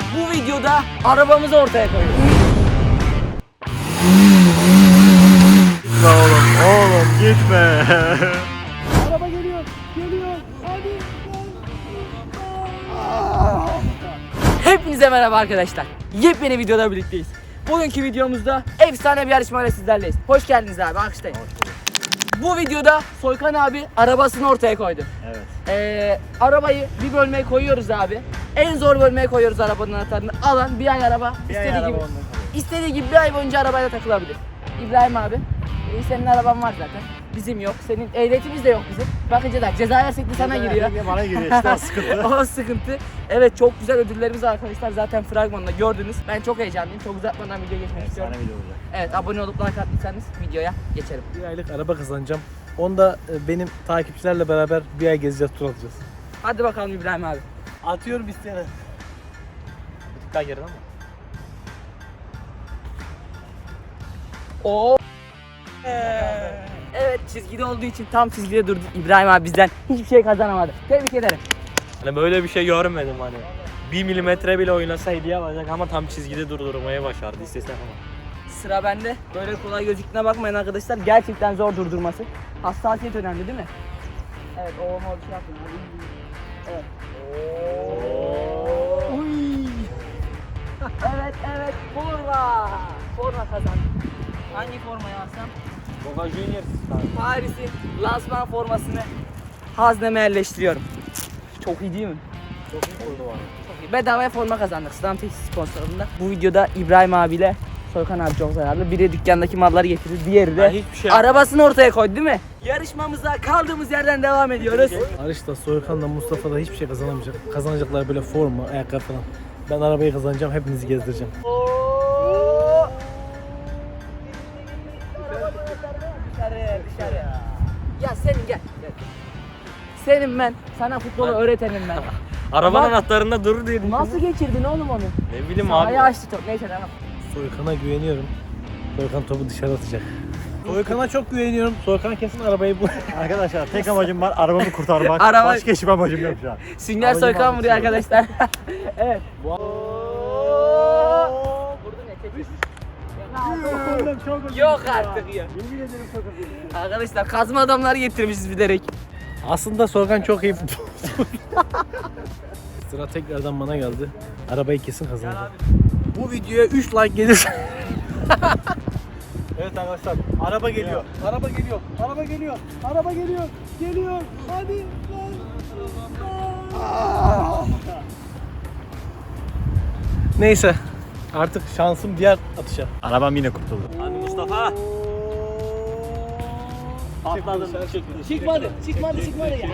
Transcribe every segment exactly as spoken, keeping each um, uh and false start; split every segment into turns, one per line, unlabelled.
Bu videoda arabamızı ortaya koyuyoruz.
Gitme oğlum, oğlum gitme.
Araba geliyor, geliyor. Hadi. Hepinize merhaba arkadaşlar. Yepyeni videoda birlikteyiz. Bugünkü videomuzda efsane bir yarışmayla sizlerleyiz. Hoş geldiniz abi, alkışlayın. Bu videoda Soykan abi arabasını ortaya koydu.
Evet.
Ee, arabayı bir bölmeye koyuyoruz abi. En zor bölmeye koyuyoruz arabanın anahtarını. Alan bir ay araba
Bir
istediği
ay
gibi
araba ondan
istediği gibi bir ay boyunca arabayla takılabilir. İbrahim abi, e, senin araban var zaten. Bizim yok. Senin ehliyetimiz de yok bizim. Bakınca da ceza yersek de sana giriyor.
Bana giriyor işte, o sıkıntı.
O sıkıntı. Evet, çok güzel ödüllerimiz var arkadaşlar. Zaten fragmanında gördünüz. Ben çok heyecanlıyım. Çok uzatmadan video geçmek istiyorum.
Efsane video olacak.
Evet, abone olup like attıysanız videoya geçelim.
Bir aylık araba kazanacağım. Onda e, benim takipçilerle beraber bir ay gezeceğiz, tur atacağız.
Hadi bakalım İbrahim abi.
Atıyorum isteyene. Daha geriden ama.
Oo. Evet, çizgide olduğu için tam çizgide durdu. İbrahim abi bizden hiçbir şey kazanamadı. Tebrik ederim.
Hani böyle bir şey görmedim hani. Bir milimetre bile oynasa hediye alacak ama tam çizgide durdurmayı başardı. İstesem ama.
Sıra bende. Böyle kolay gözüktüğüne bakmayın arkadaşlar. Gerçekten zor durdurması. Hassasiyet önemli değil mi? Evet, o olma bir şey yapın. Evet. Uy. Evet, evet. Forma. Forma kazandı. Hangi formayı alsam?
Boca Juniors.
Paris'in lansman formasını hazneme yerleştiriyorum. Çok iyi değil mi?
Çok iyi kurdu var.
Çok iyi. Bedavaya forma kazandık Stamtex sponsorluğunda. Bu videoda İbrahim abiyle Soykan abi çok zararlı. Biri dükkandaki malları getirdi, diğeri de
Ben hiçbir şey
arabasını ortaya koydu değil mi? Yarışmamıza kaldığımız yerden devam ediyoruz.
Arış'ta, Soykan'la, Mustafa da hiçbir şey kazanamayacak. Kazanacaklar böyle forma, ayakkabı falan. Ben arabayı kazanacağım, hepinizi gezdireceğim.
Dışarı, dışarı. Ya senin gel. gel. Senin ben, sana futbolu öğretenim ben.
Arabanın
Bak-
anahtarında durur diye düşündüm.
Nasıl geçirdin oğlum onu?
Ne bileyim abi.
Sahaya açtı top. Neyse tamam.
Soykan'a güveniyorum. Soykan topu dışarı atacak. Soykan'a çok güveniyorum. Soykan kesin arabayı bul.
Arkadaşlar tek amacım var, arabamı kurtarmak.
Araba-
Başka hiçbir amacım yok şu an.
Sünger
Aracı
Soykan
almak
vuruyor
istiyorum.
arkadaşlar. Evet. Vurdu ne? Çekil. Yok artık ya. Arkadaşlar kazma adamları getirmişiz bilerek.
Aslında Soykan çok iyi futbolcu. Sıra tekrardan bana geldi. Arabayı kesin kazanacağım. Bu videoya üç like gelirse... Evet arkadaşlar, araba geliyor. Araba geliyor. Araba geliyor. Araba geliyor. Geliyor. Hadi. Neyse. Artık şansım diğer atışa.
Arabam yine kurtuldu.
Hadi Mustafa. Patladım.
Çıkmadı, çıkmadı, çıkmadı ya.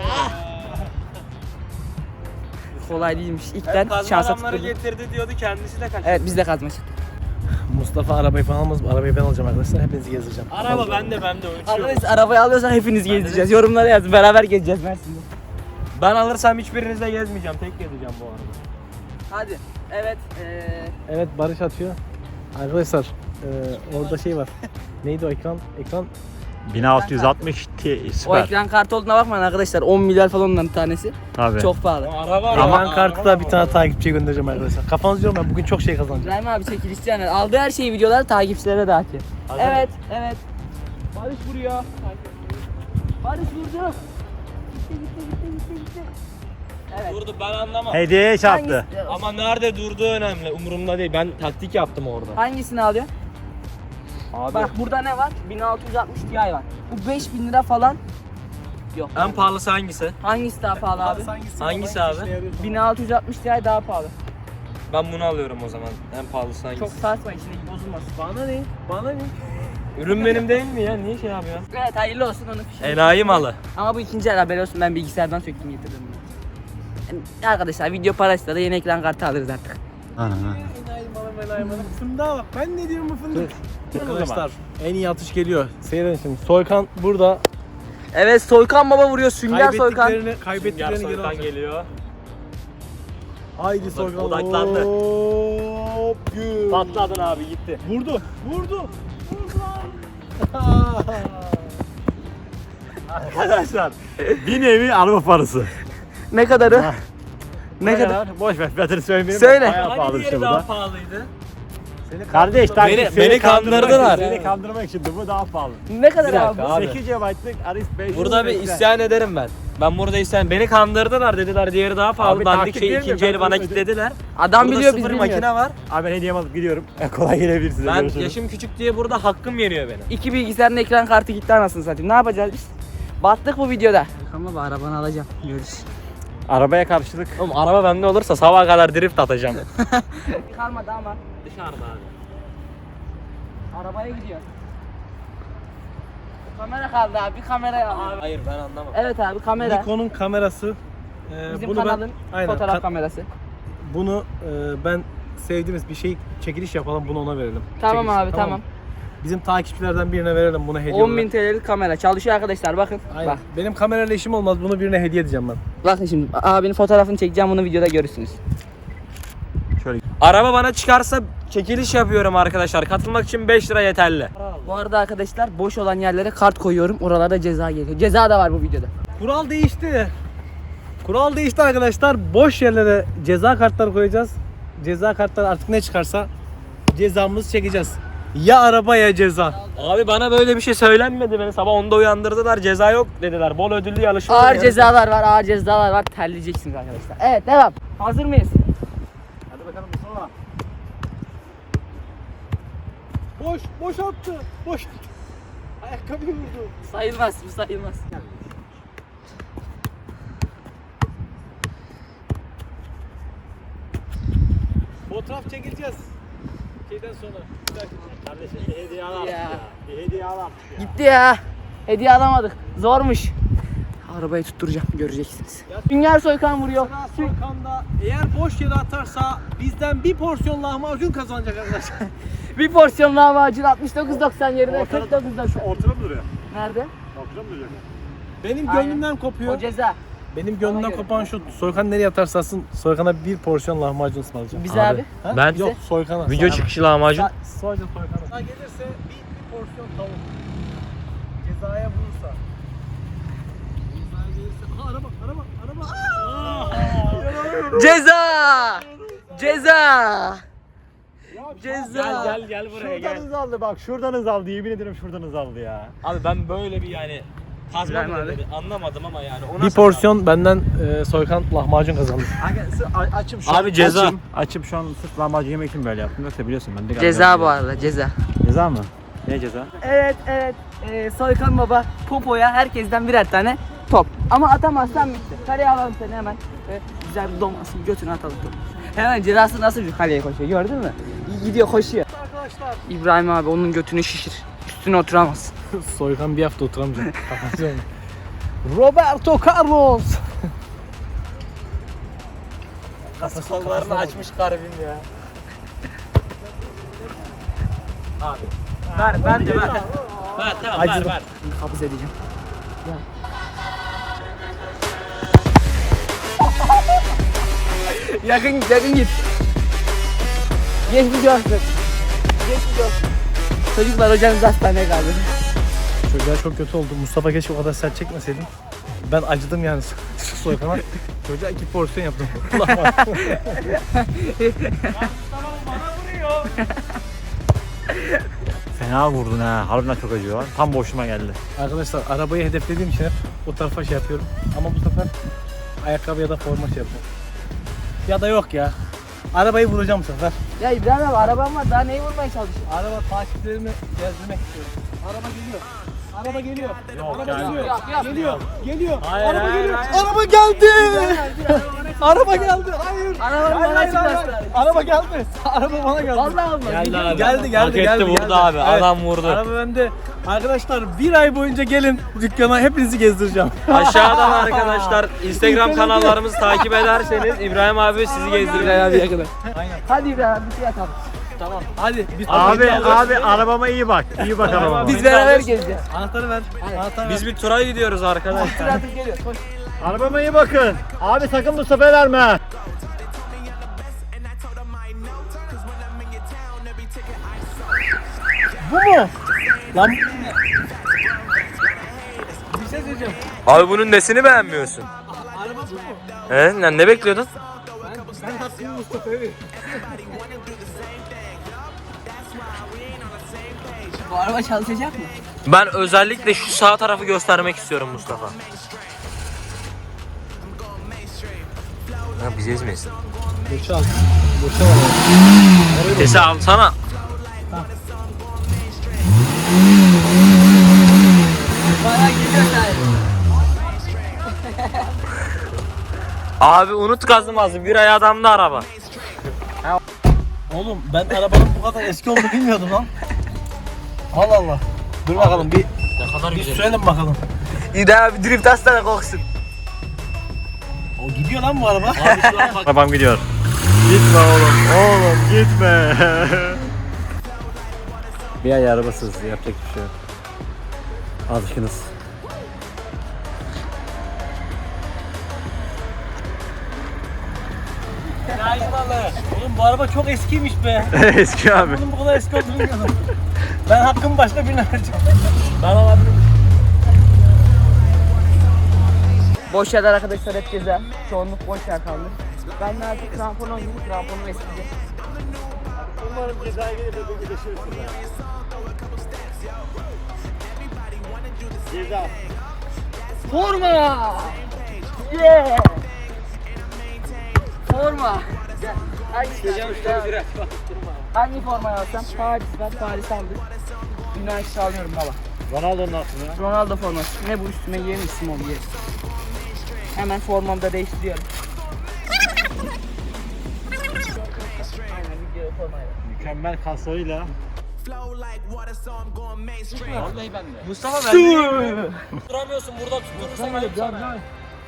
Kolay değilmiş. İlkten
Kazma
şansa
adamları
tutturdu.
getirdi diyordu, kendisi de kaçırdı.
Evet, biz de kazma çıktık.
Mustafa arabayı falan almaz. Arabayı ben alacağım arkadaşlar. Hepinizi gezdireceğim.
Araba bende bende ölçüyor.
Arkadaşlar arabayı alıyorsan hepiniz gezeceğiz. Yorumlara yazın. Beraber gezeceğiz Mersin'de.
Ben alırsam hiçbirinizle gezmeyeceğim. Tek gezeceğim bu arada.
Hadi. Evet. Ee,
Evet, Barış atıyor. Arkadaşlar e, orada şey var. Neydi o ekran? Ekran
bin altı yüz altmış Ti
o
süper.
ekran kartı olduğuna bakmayın arkadaşlar. on milyar falan onların tanesi.
Tabii.
Çok pahalı.
Araba
Ekran kartı da bir tane takipçiye göndereceğim arkadaşlar. Kafanızı diyorum, ben bugün çok şey kazanacağım.
İbrahim abi çekilişçi yani. Aldığı her şeyi videolar takipçilere dağıtıyor. Evet, evet. Barış vuruyor. Barış vurdu. Gitti, gitti, gitti, gitti, gitti. Evet.
Durdu, ben anlamam.
Hediye çarptı.
Hangisi-
Ama nerede durduğu önemli. Umurumda değil. Ben taktik yaptım orada.
Hangisini alıyor?
Abi.
Bak burada ne var? bin altı yüz altmış Ti var. Bu beş bin lira falan. Yok.
En pahalısı hangisi?
Hangisi daha pahalı abi?
Hangisi abi?
bin altı yüz altmış Ti daha pahalı.
Ben bunu alıyorum o zaman. En pahalısı hangisi?
Çok saçma, içindeki bozulmasın.
Bana ne? Bana ne?
Ürün benim değil mi ya? Niye şey yapıyorsun?
Evet, hayırlı olsun onun fişini.
Enayi malı.
Ama bu ikinci el, haberi olsun, ben bilgisayardan söktüm getirdim bunu. Yani arkadaşlar video parasıyla da yeni ekran kartı alırız artık.
Aha.
Enayi malım, enayi malım. Fındığa bak. Ben ne diyorum bu fındık?
zaman.
Arkadaşlar en iyi atış geliyor. Seyredin şimdi. Soykan burada.
Evet, Soykan baba vuruyor, Sünger Soykan.
Kaybettiklerini,
Sünger
kaybettiklerini geri
Soykan
alacak.
geliyor.
Haydi Soykan.
Odaklandı.
Hop, gül.
Patladın abi, gitti.
Vurdu. Vurdu.
Arkadaşlar bir nevi araba parası.
Ne kadarı? Ne kadar?
Boş ver fiyatını söylemeyeyim.
Söyle.
Bayağı
Hani
pahalı
diğeri
işte bu
daha
da.
pahalıydı.
Kardeş takip
Beni-
seni
beni
kandırmak
kandırdılar.
için, Seni kandırmak için de bu daha pahalı.
Ne kadar
Bir
abi?
dakika abi.
sekiz gigabaytlık Aris beş.
Burada bir isyan ederim ben. Ben burada isyan. Beni kandırdılar dediler diğeri daha pahalı.
Abi
Dandik
taktik
şey
değil mi?
ikinci
Ben
eli bana
bunu
kilitlediler.
Adam
Burada
biliyor biz
sıfır
bilmiyoruz.
makine var.
Abi ben hediyemi alıp gidiyorum. Kolay gelebilir size.
Ben
Görüşürüz.
yaşım küçük diye burada hakkım yeniyor benim.
İki bilgisayarın ekran kartı gitti anasını satayım. Ne yapacağız biz? Battık bu videoda. Ama bu arabanı alacağım. Görürüz.
Arabaya karşılık.
Oğlum araba bende olursa sabaha kadar drift atacağım.
Kalmadı ama.
Dışarıda abi.
Arabaya gidiyor. Kamera kaldı abi. Kamerayı al.
Abi, hayır ben anlamam.
Evet abi kamera.
Nikon'un kamerası. Ee,
Bizim
bunu
kanalın
ben, aynen,
fotoğraf
ka-
kamerası.
bunu e, ben sevdiğimiz bir şey çekiliş yapalım, bunu ona verelim.
Tamam
Çekiliş,
abi tamam.
mı? Bizim takipçilerden birine verelim bunu hediye
on bin
olarak.
T L'lik kamera. Çalışıyor arkadaşlar bakın.
Aynen.
Bak.
Benim kamerayla işim olmaz, bunu birine hediye edeceğim ben.
Bakın şimdi abinin fotoğrafını çekeceğim, bunu videoda görürsünüz.
Şöyle.
Araba bana çıkarsa çekiliş yapıyorum arkadaşlar. Katılmak için beş lira yeterli.
Bu arada arkadaşlar boş olan yerlere kart koyuyorum. Oralarda ceza geliyor. Ceza da var bu videoda.
Kural değişti. Kural değişti arkadaşlar. Boş yerlere ceza kartları koyacağız. Ceza kartları artık ne çıkarsa cezamızı çekeceğiz. Ya araba ya ceza.
Abi bana böyle bir şey söylenmedi. Beni sabah onda uyandırdılar. Ceza yok dediler. Bol ödüllü yarışma.
Ağır
var.
cezalar var, ağır cezalar var. Terleyeceksiniz arkadaşlar. Evet devam. Hazır mıyız?
Hadi bakalım Mustafa.
Boş, boş attı. Boş. Ayakkabıyı vurdu.
Sayılmaz, bu sayılmaz.
Fotoğraf çekileceğiz. Şeyden sonra.
Kardeşim bir hediye al artık
Ya.
ya. Bir hediye al artık ya.
Gitti ya. Hediye alamadık. Zormuş. Arabayı tutturacağım, göreceksiniz. Sünger Soykan vuruyor.
Sıra Soykan'da eğer boş yere atarsa bizden bir porsiyon lahmacun kazanacak arkadaşlar.
Bir porsiyon lahmacun altmış dokuz doksan yerine kırk dokuz doksan.
Ortada mı duruyor?
Nerede?
Ortada mı duruyor?
Benim
Aynen.
gönlümden kopuyor.
O ceza.
Benim gönlümden
göre.
kopan şu. Soykan nereye atarsa atsın Soykan'a bir porsiyon lahmacun ısmarlayacağım.
Bize abi.
Ha?
Ben-
Yok Soykan'a.
Video
Sana.
çıkışı lahmacun.
Sa- Sadece Soykan'a. Ceza gelirse bir, bir porsiyon tavuk. Cezaya vurursa. Cezaya gelirse. Aha araba araba araba. Aa!
Ceza! Ceza! Ceza!
Gel gel gel buraya
Şuradan
gel.
hız aldı bak. Şuradan hız aldı. Yemin ederim şuradan hız aldı ya.
Abi ben böyle bir yani kazma
İbrahim
mı
abi.
dedi anlamadım ama yani. O
Bir
nasıl
porsiyon benden e, Soykan lahmacun kazandı.
Açım şu
Abi
an,
ceza.
Açım, açım şu an sırf lahmacun yemek için böyle yaptım. Yoksa biliyorsun ben de
Ceza bu arada, ceza.
Ceza mı? Ne ceza?
Evet, evet. Ee, Soykan Baba popoya herkesten birer tane top. Ama atamazsan bitti. Kaleye alalım seni hemen. Ee, güzel bir domasın, götünü atalım topu. Hemen cezası nasıl bir kaleye koşuyor, gördün mü? Gidiyor, koşuyor.
Arkadaşlar.
İbrahim abi onun götünü şişir. Üstüne oturamaz.
Soykan bir hafta oturamayacak. Kapatacağım. Roberto Carlos.
Kollarını açmış garibim ya. Abi. Ver ben de ver. Ver tamam ver
Acıdım.
ver.
Kabız edeceğim. yakın git, yakın git. Geçmiş olsun. Geçmiş olsun. Çocuklar hocanız hastaneye kaldı.
Çocuğa çok kötü oldu. Mustafa keşke o kadar sert çekmeseydin. Ben acıdım yani Soykan'a. Çocuğa iki porsiyon yaptım.
Fena vurdun ha. Harbiden çok acıyor lan. Tam boşuma geldi.
Arkadaşlar arabayı hedeflediğim için hep o tarafa şey yapıyorum. Ama bu sefer ayakkabı ya da forma şey yapıyorum. Ya da yok ya. Arabayı vuracağım bu sefer.
Ya İbrahim abi arabam var, daha neyi vurmaya çalışıyorsun?
Araba takipçilerimi gezdirmek istiyorum. Araba geliyor. Araba geliyor. Araba
yani.
geliyor.
Yok, yok.
Geliyor. Geliyor.
Hayır,
Araba
hayır,
geliyor.
hayır.
Araba geldi. Araba geldi. Hayır.
Arabanın
Hayır,
bana
hayır, hayır.
çıkmasın.
Araba geldi. Araba bana geldi.
Vallahi olmaz.
Geldi abi.
Geldi geldi
Hak etti,
geldi.
vurdu
geldi.
abi.
Evet.
Adam vurdu.
Araba bende. Arkadaşlar bir ay boyunca gelin dükkana, hepinizi gezdireceğim.
Aşağıdan arkadaşlar Instagram kanallarımızı takip ederseniz İbrahim abi sizi gezdirir.
İbrahim abiye kadar.
Aynen.
Hadi İbrahim abi bir şey atalım.
Tamam. Hadi biz
Abi abi arabama iyi bak. İyi bak arabama.
Biz beraber gezeceğiz.
anahtarı ver. Anahtarı ver.
Biz bir tura gidiyoruz arkadaşlar.
Tır atıp geliyor. Koş.
Arabama iyi bakın. Abi sakın bu sefer verme.
Bu mu? Lan bir şey söyleyeceğim.
Abi bunun nesini beğenmiyorsun?
Araba bu mu?
He? Lan ne bekliyordun?
Bu araba çalışacak mı?
Ben özellikle şu sağ tarafı göstermek istiyorum Mustafa. Ha bizi ezmesin.
Boşal. Boşal.
Vitesi alsana.
Bana gidiyor sen.
Abi unut kazımazdı. Bir ay adamda araba.
Oğlum ben arabanın bu kadar eski olduğunu bilmiyordum lan. Allah Allah. Dur bakalım bir
Ne kadar
bir
güzel.
sürelim bakalım.
İyi abi drift hastane koksun.
O gidiyor lan bu araba.
Abi şu an bak.
Arabam gidiyor. Gitme oğlum. Oğlum gitme. Bir ay arabasız yapacak bir şey yok. Alışkınız.
Oğlum bu araba çok eskiymiş be.
Eski abi.
Bunun bu kadar eski olduğunu bilmiyordum. Ben hakkımı başka birine vereceğim. Ben alabilirim.
Boş yerler arkadaşlar hep ceza. Çoğunluk boş yer kaldı. Ben de artık krampon oldum. Kramponum eskidi.
Umarım cezaya gelir de bir birleşiriz. Ceza.
Forma! Yeah! Forma! Gel. Hangi, hangi formayı alsam? Paris var, Paris aldık. Üniversite alıyorum baba.
Ronaldo'nun aslında.
Ronaldo forması. Ne bu üstüme giyelim isim ol giyelim. Hemen formamı da değiştiriyorum. Aynen video formayla.
Mükemmel kaslarıyla.
Mustafa ben de duramıyorsun burada tutturursan ayıp sana.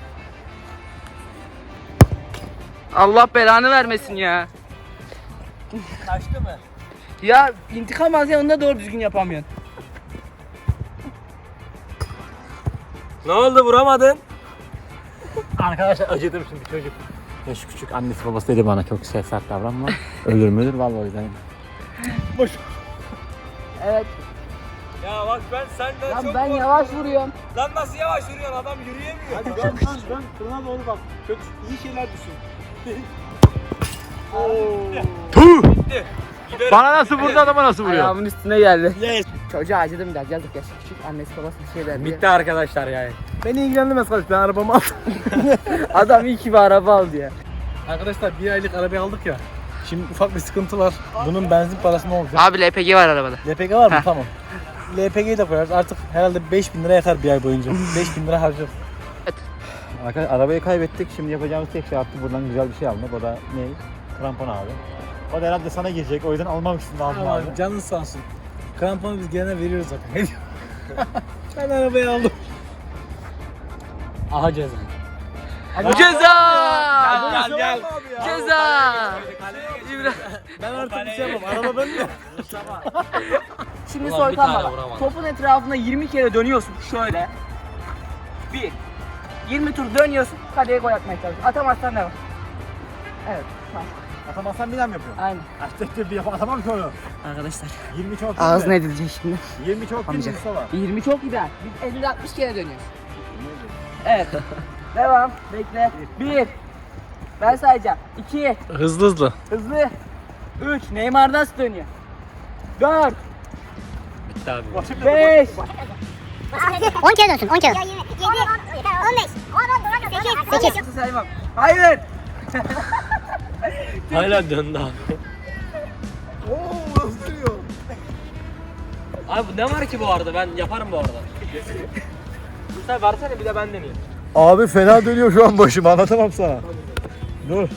Allah belanı vermesin ya.
Kaçtı mı?
Ya intikam alsa onu da doğru düzgün yapamıyorsun.
Ne oldu vuramadın?
Arkadaşlar acıdım şimdi çocuk. Yaş küçük annesi babası dedi bana çok sert sert davranma. Ölür müdür vallahi o yüzden.
Boş.
Evet.
Ya bak ben senden
Lan
çok
ben
korkuyorum.
yavaş vuruyorum.
Lan nasıl yavaş yürüyorsun adam yürüyemiyor.
Hadi dön dön dön. Kırına doğru bak. Kötü iyi şeyler düşün.
Tuh!
Gitti. Giderim.
Bana nasıl vurdu adama nasıl vuruyor?
Ayağımın üstüne geldi.
Yes.
Çocuğa acıdım biraz yazık yaşı küçük. Annesi babası bir şey verdi.
Bitti arkadaşlar yani.
Beni ilgilendirmez kardeş. Ben arabamı aldım.
Adam iyi ki bir araba aldı ya.
Arkadaşlar bir aylık arabayı aldık ya. Şimdi ufak bir sıkıntı var. Bunun benzin parası ne olacak?
Abi L P G var arabada.
L P G var mı?
Heh.
Tamam. L P G'yi de koyarız. Artık herhalde beş bin lira yeter bir ay boyunca. beş bin lira harcarız.
Arkadaşlar arabayı kaybettik. Şimdi yapacağımız tek şey artık buradan güzel bir şey almak. O da ne? Krampon abi. O da herhalde sana girecek. O yüzden almak için lazım abi.
Abi canın sağ olsun. Kramponu biz gene veriyoruz zaten. Ben arabayı aldım.
Aha ceza.
Ceza!
Gel gel.
Ceza! İbrahim.
Ben artık bir şey yapamam. Araba bende.
Şimdi
Ulan bir
Soykan
tane
baba.
vuramadım.
Topun etrafında yirmi kere dönüyorsun şöyle. Bir. yirmi tur dönüyorsun. Kaleye gol atmaya çalışıyorsun. Atamazsan ne var? Evet. Tamam.
Atamazsan bir daha mı yapıyorsun?
Aynen.
Açtık bir yapalım. Atamam ki onu.
Arkadaşlar.
yirmi çok değil
Ağzına
mi?
edilecek şimdi.
yirmi çok değil mi
Amca.
Mustafa?
yirmi çok gider. Biz elli altmış kere dönüyoruz. Evet. Devam. Bekle. Bir. Ben sayacağım. İki.
Hızlı hızlı.
Hızlı. Üç. Neymar nasıl dönüyor? Dört.
Bitti abi.
Beş.
on kere dönsün, on kere. yedi, on beş, sekiz, sekiz.
Nasıl saymam? Hayır.
Hala döndü abi.
Oo nasıl duruyor?
Abi ne var ki bu arada ben yaparım bu arada. Sen versene bir de ben deneyeyim.
Abi fena dönüyor şu an başım. Anlatamam sana. Dur.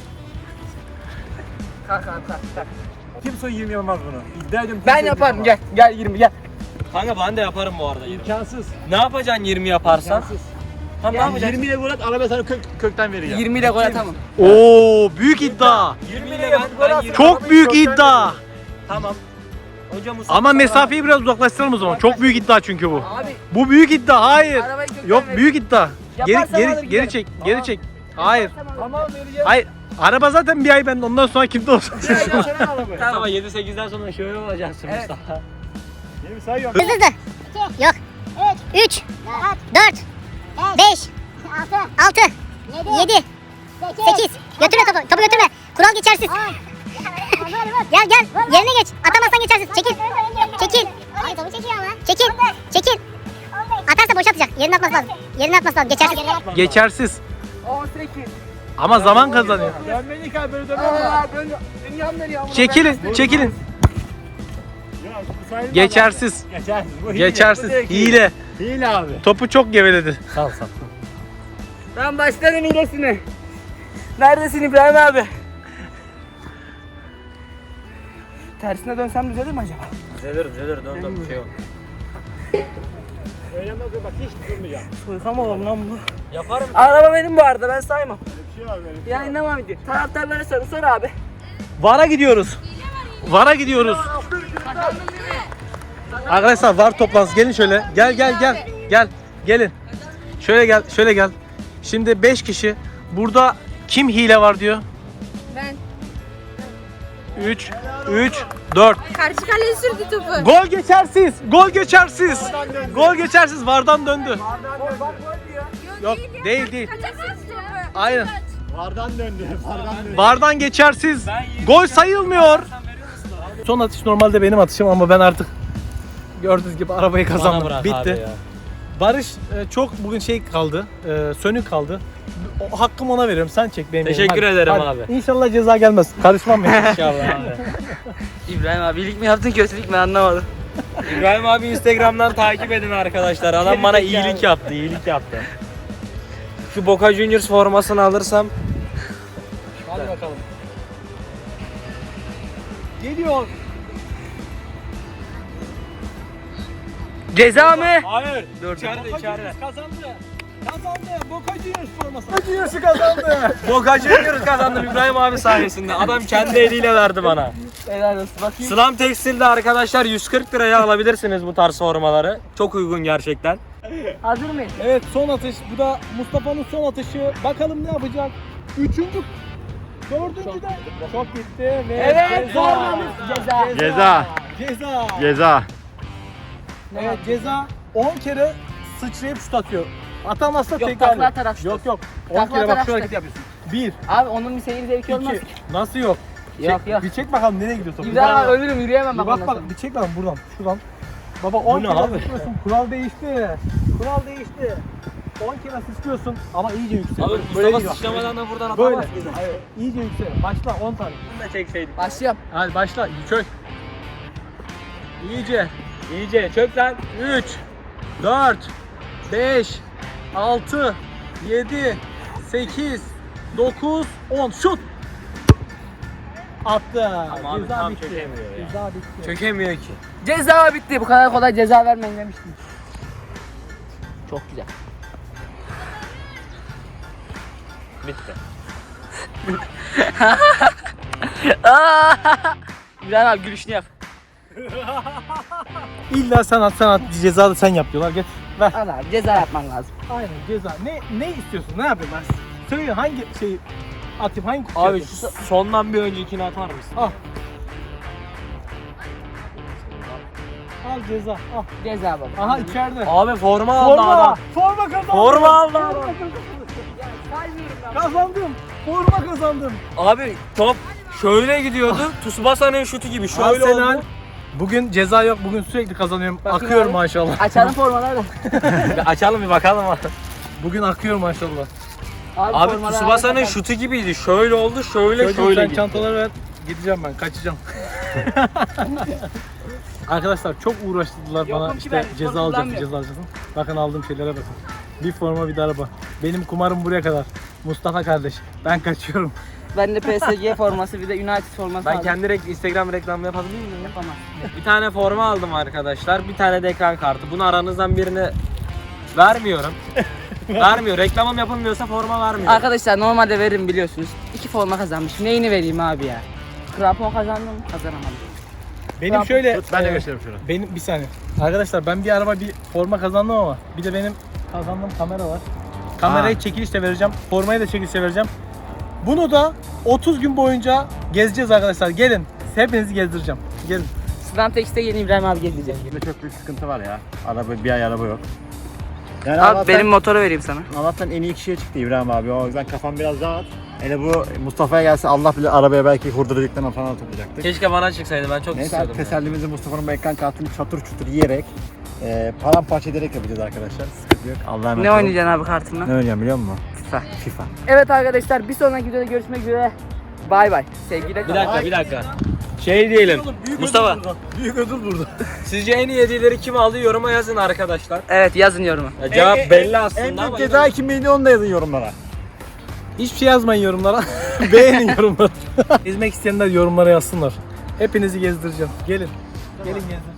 Kalk kalk kalk. kalk.
Kimse yirmi yapamaz bunu. İddia ediyorum.
Ben
kimse
yaparım
yapamaz.
gel. Gel yirmi gel.
Kanka ben de yaparım bu arada.
İmkansız.
Ne yapacaksın yirmi yaparsan?
İmkansız.
Tamam ne
Yani
yapacaksın?
yirmi ile gol at, araba sana kök, kökten vereceğim.
yirmi ile gol atamam.
Oo büyük iddia.
yirmi ile ben, ben yirmi.
Çok büyük iddia.
Tamam. Önce Mustafa
Ama mesafeyi biraz uzaklaştıralım o zaman. Çok büyük iddia çünkü bu.
Abi
Bu büyük iddia. Hayır.
arabayı kökten
Yok
ver.
büyük iddia. Geri
Yaparsam alır
geri
giderim.
geri çek. Geri çek. Hayır.
Tamam vereceğim.
Hayır. Araba zaten bir ay ben ondan sonra kimde olsun.
Tamam yedi sekizden sonra şöyle olacaksın
Evet.
Mustafa.
Yeni sayıyorum.
Hızlı hızlı. Yok. Üç, dört, beş, altı, yedi, sekiz. Götürme topu, topu götürme. Kural geçersiz. Gel gel. Yerine geç. Atamazsan geçersiz. Çekil. Çekil. Ay topu çekiyor ama. Çekil. Çekil. Atarsa boş atacak. Yerine atması lazım. Yerine atması lazım. Geçersiz.
Geçersiz.
on sekiz.
Ama zaman kazanıyor.
Dönmedik abi böyle dönmem.
Aa, dön. Dünyam dönüyor. ama
Çekilin, çekilin. Geçersiz.
Geçersiz. Bu hile.
Geçersiz.
Bu direkt
Hile.
Hile abi.
Topu çok geveledi.
Sal sal.
Ben başlarım hilesine. Neredesin İbrahim abi? Tersine dönsem düzelir mi acaba?
Düzelir düzelir dön dön bir şey yok.
Öyle nasıl bak hiç durmayacağım.
Soykam oğlum lan bu.
Yaparım.
Araba benim bu arada, ben saymam.
Bir şey var benim.
Yayınlamam video. Taraftarlara sorun, sor abi.
VAR'a gidiyoruz. VAR'a gidiyoruz. Arkadaşlar VAR toplantısı. Gelin şöyle. Gel gel gel. Gel. Gelin. Şöyle gel. Şöyle gel. Şimdi beş kişi. Burada kim hile var diyor?
Ben.
üç, üç, dört.
Karşı kaleye sürdü topu.
Gol geçersiz. Gol geçersiz. Gol geçersiz. VAR'dan döndü. Yok değil değil.
Kaçarsınız topu.
Aynen.
Vardan döndü. Vardan döndü.
VAR'dan geçersiz. Gol sayılmıyor. Son atış normalde benim atışım ama ben artık gördüğünüz gibi arabayı kazandım.
bırak
Bitti.
abi ya.
Barış e, çok bugün şey kaldı. E, sönük kaldı. O, hakkımı ona veriyorum. Sen çek benim.
Teşekkür
yerim.
ederim
Hadi.
abi.
İnşallah ceza gelmez. Karışmam ben.
İnşallah abi.
İbrahim abi iyilik mi yaptın, kötülük mü anlamadım.
İbrahim abi Instagram'dan takip edin arkadaşlar. Adam bana iyilik yaptı, iyilik yaptı. Şu Boca Juniors formasını alırsam
Hadi bakalım. Geliyor.
Ceza mı?
hayır.
Dur.
İçeride içeride.
Kazandı. Kazandı. Boca Juniors forması. Boca Juniors'u kazandı.
Boca Juniors kazandım İbrahim abi sayesinde. Adam kendi eliyle verdi bana.
Helal olsun. Bakayım.
Slam Tekstil'de arkadaşlar yüz kırk liraya alabilirsiniz bu tarz formaları. Çok uygun gerçekten.
Hazır mıyız?
Evet, son atış. Bu da Mustafa'nın son atışı. Bakalım ne yapacak? Üçüncü, dördüncü de çok gitti ve
Evet,
ceza.
formamız ceza.
Ceza.
Ceza.
Ceza.
Evet, ceza on kere sıçrayıp şut atıyor. Atamazsa
Yok,
tekrar.
takla atarak şut.
Yok yok. on
Takla
kere bak
atarak
şu
şut.
hareketi yapıyorsun. Bir,
Abi onun bir seyir zevki olmaz.
iki. Nasıl yok?
Yok
Çek-
yok.
Bir çek bakalım nereye gidiyor top.
İbrahim abi
Bir
ölürüm, yürüyemem bak
bak
ondan
bak
sonra.
bir çek bakalım buradan. Şuradan. Baba on
ne
kere
abi?
sıçrıyorsun. Kural değişti. Kural değişti. on kere sıçrıyorsun ama iyice yüksel.
Abi
Böyle
Mustafa
gidiyor.
sıçramadan da buradan
Böyle.
atamaz mıydı?
Hayır. İyice yüksel. Başla on tane.
Bunu da çekseydik.
Başlıyorum.
Hadi başla. Çök. İyice.
İyice çök lan.
üç, dört, beş, altı, yedi, sekiz, dokuz, on. Şut. Attı.
Ama abi
Ceza
tam
bitti.
çökemiyor ya.
Ceza bitti.
Çökemiyor ki.
Ceza bitti. Bu kadar kolay ceza vermeyin demiştim. Çok güzel.
Bitti.
İbrahim abi gülüşünü yap.
İlla sen at sen at ceza da sen yap diyorlar. Geç. Ver.
Al abi ceza yapman lazım.
Aynen ceza. Ne ne istiyorsun? Ne yapayım ben? Söyle hangi şeyi atayım? Hangi kutuyu
Abi
atayım?
şu sondan bir öncekini atar mısın?
Al. Al ceza. Al.
Ceza baba.
Aha içeride.
Abi forma aldı
Forma.
adam.
Forma kazandım.
Forma aldı adam.
Kazandım. Forma kazandım.
Abi top şöyle gidiyordu. Tsubasa'nın şutu gibi şöyle
Arsenal.
oldu.
Bugün ceza yok. Bugün sürekli kazanıyorum.
Bakayım
Akıyor
abi.
maşallah.
Açalım formaları da.
Bir açalım bir bakalım abi.
Bugün akıyor maşallah.
Abi
formaları
Tsubasa'nın
bakalım.
şutu gibiydi. Şöyle oldu, şöyle
Çocuğum
şöyle
sen
gitti.
çantaları ver. Gideceğim ben. Kaçacağım. Arkadaşlar çok uğraştırdılar
Yokum
bana
ki
işte
ben,
ceza
spor
alacaksın,
kullanmıyorum.
ceza alacaksın. Bakın aldığım şeylere bakın. Bir forma bir de araba. Benim kumarım buraya kadar. Mustafa kardeş. Ben kaçıyorum.
Ben de P S G forması bir de United forması
Ben
aldım.
kendi rek- Instagram reklamı yapabilir miyim?
Yapamam.
Bir tane forma aldım arkadaşlar. Bir tane de ekran kartı. Bunu aranızdan birine vermiyorum. Vermiyor. Reklamım yapılmıyorsa forma vermiyor.
Arkadaşlar normalde veririm biliyorsunuz. İki forma kazanmışım. Neyini vereyim abi ya? Krampon kazandım, kazanamadım.
Benim
Tamam.
şöyle
Tut, ben de
e,
göstereyim şunu.
benim bir saniye. Arkadaşlar ben bir araba bir forma kazandım ama bir de benim kazandığım kamera var. Kamerayı çekilişle vereceğim. Formayı da çekilişle vereceğim. Bunu da otuz gün boyunca gezeceğiz arkadaşlar. Gelin. Hepinizi gezdireceğim. Gelin.
Slam Tex'te yeni İbrahim abi gezecek.
Yine çok büyük sıkıntı var ya. Araba bir ay araba yok. Yani
Abi
Allah'tan,
benim motoru vereyim sana.
Allah'tan en iyi kişiye çıktı İbrahim abi. O yüzden kafam biraz rahat. Hele bu Mustafa'ya gelse Allah bilir arabaya belki hurduracaklarına falan toplayacaktık.
Keşke bana çıksaydı, ben çok
Neyse
istiyordum.
artık
ya.
tesellimizi Mustafa'nın bu ekran kartını çatır çutur yiyerek e, paramparça ederek yapacağız arkadaşlar. Sıkıntı yok. Allah'a emanet
Ne
olun.
oynayacaksın abi kartınla?
Ne oynayacağım biliyor musun?
FIFA.
FIFA.
Evet arkadaşlar bir sonraki videoda görüşmek üzere. Bay bay. Sevgiyle
Bir
kalın.
dakika, bir dakika. Şey diyelim. Mustafa,
Büyük ödül burada.
sizce en iyi hediyeleri kim aldı? Yoruma yazın arkadaşlar.
Evet yazın yoruma.
Ya cevap
En- en-
belli
En
aslında
büyük
ama
ceza kim bildi onu da yazın yorumlara.
Hiçbir şey yazmayın yorumlara. Beğenin yorumları. Gezmek isteyenler yorumlara yazsınlar. Hepinizi gezdireceğim. Gelin. Gelin gezdireceğim.